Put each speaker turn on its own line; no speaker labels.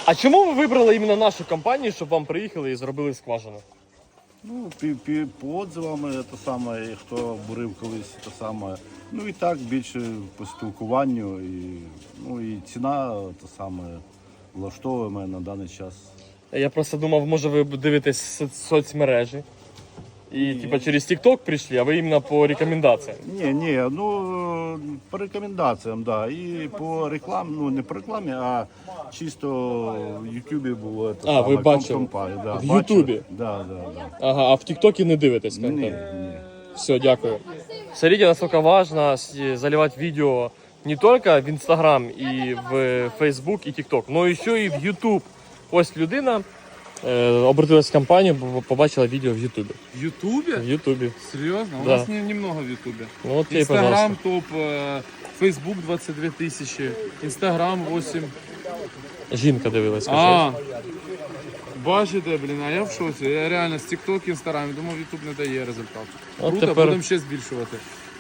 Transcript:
А чому ви вибрали іменно нашу компанію, щоб вам приїхали і зробили скважину?
Ну, по отзивам, те саме, хто бурив колись, те саме. Ну і так, більше по спілкуванню, і ціна те саме влаштовує мене на даний час.
Я просто думав, може ви дивитесь соцмережі. І типа через TikTok прийшли, а ви іменно по рекомендаціям.
Ні, ну по рекомендаціям, да. І по рекламі, ну не по рекламі, а чисто в Ютубі було.
А, ви бачили?
Да,
В Ютубі?
Да.
Ага, а в ТикТоке не дивитесь
Ні,
контент?
ні.
Все, дякую. Смотрите, насколько важно заливать видео не только в Instagram и в Facebook и TikTok, но еще и в YouTube. Ось людина обратилась в компанію, бо побачила відео в Ютубі.
В Ютубе?
В Ютубі.
Серьезно? У
Да.
нас немного в Ютубе.
Ну от тебе, пожалуйста.
Инстаграм топ, Фейсбук 22 тысячи, Инстаграм 8.
Жінка дивилась.
А, бачите, блін, а я в шоці. Я реально з TikTok, Інстаграм, думав, Ютуб не дає результату.
От
Круто,
тепер-
будемо ще збільшувати.